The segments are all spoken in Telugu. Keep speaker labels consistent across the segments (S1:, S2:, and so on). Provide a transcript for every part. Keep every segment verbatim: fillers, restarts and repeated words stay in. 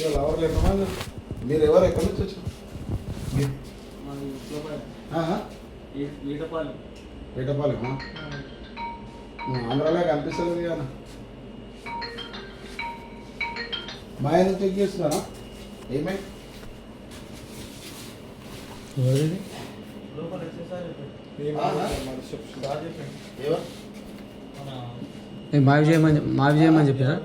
S1: మీరు ఎవరు ఎక్కడి నుంచి వచ్చారు? వేటపాలెం ఆంధ్రాలో కనిపిస్తలేదు కానీ మా ఆయన చెక్ చేస్తున్నారా? ఏమై
S2: మావి చేయమని మావి చేయమని చెప్పారా?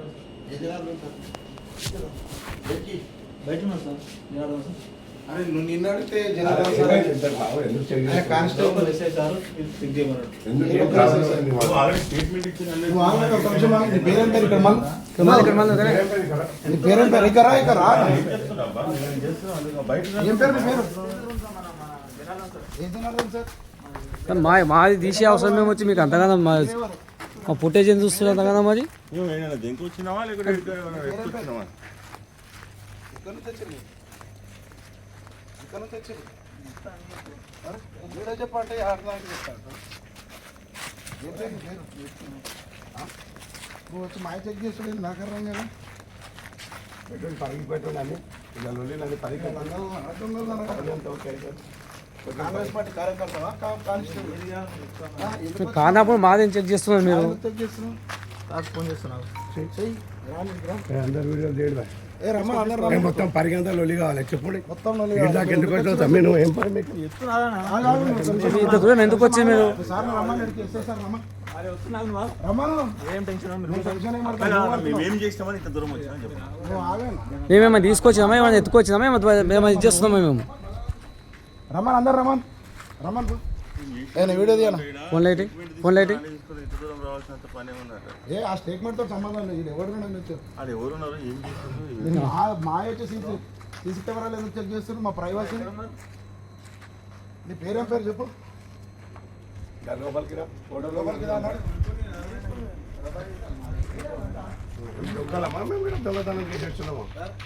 S1: అరే నువ్వు నిన్న అడిగితే కానిస్టేబుల్ పేరేం పేరు ఇక్కడ నీ పేరేం పేరు ఇక్కడ ఇక్కడ రా ఏం పేరు మీ పేరు ఏం తిన్నారు సార్?
S2: మా మాది తీసే అవసరం మేము వచ్చి మీకు అంతగానో మా మా ఫుటేజ్ ఏం చూస్తున్నారు అంతగానో మరి
S3: వచ్చినావా లేకపోతే
S1: ఇక్కడ నుంచి వచ్చి వీడియో చెప్పంటే ఆడదానికి చెప్తాను. నువ్వు వచ్చి మాయ చెక్ చేస్తుండే నాకు అర్థం కదా. పెట్రోల్ పరికి పెట్రోల్ అని ఇలా లొల్లి నన్ను పరికి కాంగ్రెస్ పార్టీ కార్యకర్తవా కానిస్టేబుల్
S2: కానప్పుడు మాదేం చెక్ చేస్తున్నారు మీరు?
S1: చెక్ చేస్తున్నావు ఫోన్ చేస్తున్నావు
S4: అందరు వీడియోలు చేయడం
S1: ఏ రమ్మ అందరు
S4: మొత్తం పరిగంతా లొల్లి కావాలి చెప్పండి.
S1: మొత్తం
S4: దాకా ఎందుకు వచ్చావు తమ్మి? నువ్వు ఏం పని మీకు
S2: ఇంత దూరం ఎందుకు వచ్చి మీరు?
S1: సార్ రమ్మని అడిగి ఎస్ఐ సార్ రమ్మ రమ్మను
S3: ఏం టెన్షన్
S1: టెన్షన్
S3: ఏం చేస్తామని ఇంత దూరం వచ్చామని చెప్పు.
S2: మేమేమైనా తీసుకొచ్చినామా ఏమైనా ఎత్తుకొచ్చినామా ఏమైనా ఇది చేస్తున్నామా మేము?
S1: రమ్మన్ అందరు రమ్మన్ రమ్మన్ నేను వీడియో తీయను.
S2: ఫోన్ లైట్ ఫోన్ లైట్
S3: రావాల్సినంత పని ఉందట.
S1: ఏ ఆ స్టేట్మెంట్తో సంబంధం లేదు. ఇది ఎవరు వచ్చారు?
S3: అది ఎవరున్నారు ఏం చేస్తున్నారు?
S1: మా మా వచ్చి సీసీ సీసీ కెమెరాలు ఎందుకు చెక్ చేస్తున్నారు? మా ప్రైవసీ. నీ పేరేం పేరు చెప్పు.
S4: లోపలికి రా.
S1: లోపలికి రా అన్నాడు.
S4: దొంగలమా మేము కూడా దొంగతనం చేసి వచ్చున్నాము.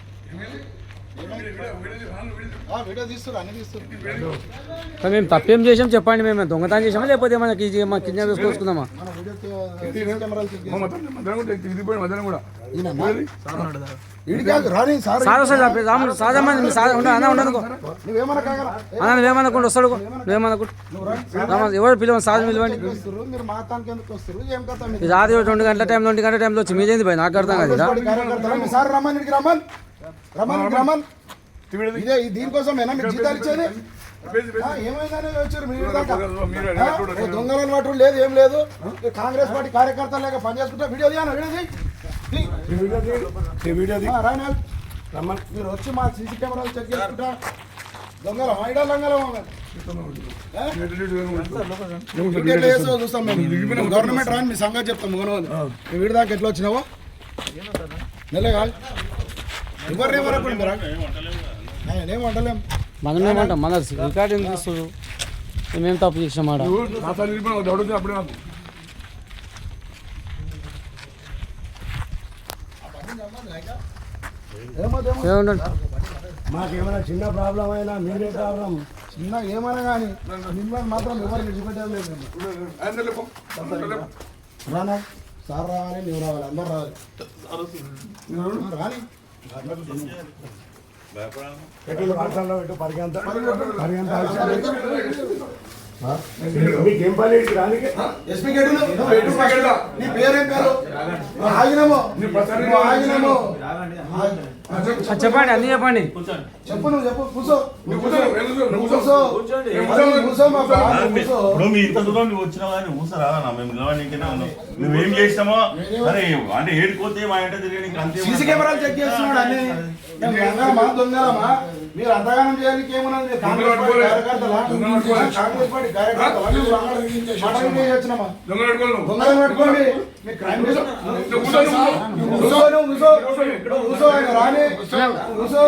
S1: వీడియో తీస్తారు అన్ని తీస్తారు.
S2: మేము తప్పేం చేసాం చెప్పండి. మేము దొంగతనం చేసామా లేకపోతే ఏమైనా మా కిడ్నాప్ వేసుకొచ్చుకుందామా?
S1: మన వీడియో కెమెరాలు చెక్
S4: మధ్యాహ్నం కూడా
S1: ఇది కాదు రాని సార్
S2: సార్ వస్తాడు రాముడు సాధారణ సార్ అన్న ఉండదు
S1: నువ్వేమన్నా కాగల
S2: అన్న నువ్వేమనుకుంటు వస్తాడు నువ్వేమనుకుంటు ఎవరు పిలవండి సార్ పిలవండి.
S1: మీరు మాతానికి ఎందుకు వస్తారు? ఏం కథ
S2: ఇది రాత్రి రెండు గంటల టైం రెండు గంటల టైంలో వచ్చి మీదేంది పోయి నాకు అర్థం కాదు.
S1: సార్ రమ్మన్ ఇడికి రమ్మన్ రమ్మన్ రమ్మన్ ఇదే దీనికోసమేనా మీకు జీతాలు ఇచ్చేది? ఏమైందని వచ్చారు మీరు దాకా? దొంగలను పట్టు లేదు ఏం లేదు. కాంగ్రెస్ పార్టీ కార్యకర్తలు లేక పనిచేసుకుంటా వీడియో తీయాలి వీడియో రాయన రమ్మన్. మీరు వచ్చి మా సీసీ కెమెరాలు చెక్ చేసుకుంటా. దొంగలం ఐడా దొంగలం చూస్తాం మేము. గవర్నమెంట్ రాని మీ సంగతి చెప్తాం. మీ వీడి దాకా ఎట్లా వచ్చినావో నెలే కాదు. ఎవరు ఏమనుకుంటారా? ఏం వంటలేం
S2: మనం ఏమంటాం మన రికార్డు ఏం చేస్తారు? మేమేం తప్పు చేసామాట?
S4: అప్పుడే నాకు మాకేమైనా చిన్న ప్రాబ్లం అయినా మీరే ప్రాబ్లం.
S1: చిన్న ఏమైనా కానీ మిమ్మల్ని మాత్రం ఎవరు విడిచిపెట్టలేదు. రానా సార్ రావాలి నువ్వు రావాలి అందరు రావాలి రాని.
S4: పెట్రోల్ రాష్ట్రంలో పెట్టు పరిగంత పరిగంత మీకేం పని రానికి?
S1: ఎస్పీ గేట్ నీ పేరేం పేరు? ఆగినమో ఆగినమో
S2: చెప్పండి అన్ని చెప్పండి.
S1: చెప్పు నువ్వు చెప్పు. కూర్చో కూర్చో కూర్చో మా
S3: ఇప్పుడు మీ ఇంత దూరం నువ్వు వచ్చినావా అని ఊసరా మేము నిలవడానికైనా నువ్వేం చేస్తామో అరే అంటే ఏడుకోతే మా ఇంట తిరిగి అంతే.
S1: సీసీ కెమెరాలు చెక్ చేస్తున్నాడు అన్ని. మా దొంగలమా మీరు అంతగానం చేయడానికి ఏమన్నది? కాంగ్రెస్ పార్టీ కార్యకర్తలా? కాంగ్రెస్ పార్టీ కార్యకర్తలా? వచ్చినామా దొంగలను పట్టుకోండి. మీ క్రైమ్ కూర్చో ఆయన రాని కూర్చో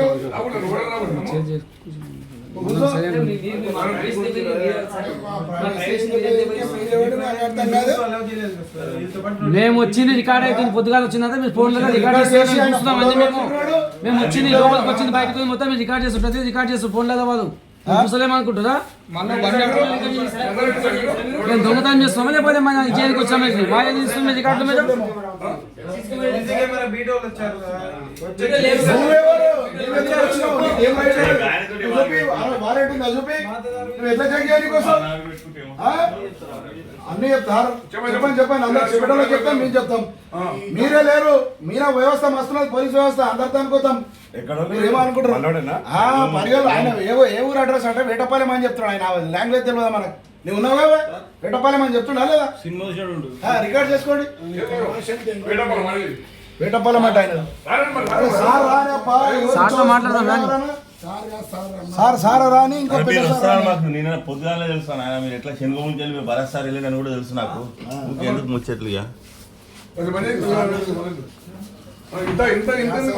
S2: మేము వచ్చింది రికార్డ్ అయితే పొద్దుగాల వచ్చిందంటే మీరు ఫోన్లో రికార్డ్ చేసి చూస్తున్నాం అండి. మేము మేము వచ్చింది లోపలికి వచ్చింది బయటకు మొత్తం మీరు రికార్డ్ చేస్తారు. ప్రతి రికార్డ్ చేస్తారు ఫోన్ లేదా వాళ్ళు చూసలేమనుకుంటారా? మేము దొంగతనం చేస్తున్నామా లేకపోతే మన చేయడానికి వచ్చాము మా ఏది ఇస్తుంది రికార్డుల మీద?
S1: నువ్వెవరు? నువ్వు ఎందుకు వచ్చినావు? నీకు ఏం రైట్ లేదు? నువ్వు చూపి, అరే వారెంట్ ఉందా చూపి? నువ్వు ఎట్లా చెక్ చేయాలి నీకోసం? ఆ? అన్ని చెప్తారు చెప్పండి చెప్పండి అందరు చెప్పడంలో చెప్తాం మేము చెప్తాం మీరే లేరు మీరే వ్యవస్థ మస్తున్నది పోలీస్ వ్యవస్థ అందరితో అనుకోతాం మీరు ఏమనుకుంటారు పరిగెలు ఆయన ఏవో ఏ ఊరు అడ్రస్ అంటే వేటపాలెం అని చెప్తున్నాడు ఆయన లాంగ్వేజ్ తెలియదా మనకు నువ్వు ఉన్నావు కదా వేటపాలెం అని చెప్తున్నా లేదా రికార్డ్ చేసుకోండి వేటపాలెం అంటే ఆయన సార్ రానప్పా సార్ సార్ రాని ఇంకో
S3: మాకు నేను పొద్దుగానే తెలుస్తాను ఆయన మీరు ఎట్లా శనుగ ముంచి వెళ్ళి మీరు భరత్ సార్ వెళ్ళి కూడా తెలుసు నాకు ఎందుకు ముచ్చట్లుగా
S4: ఇంత ఇంత ఇంత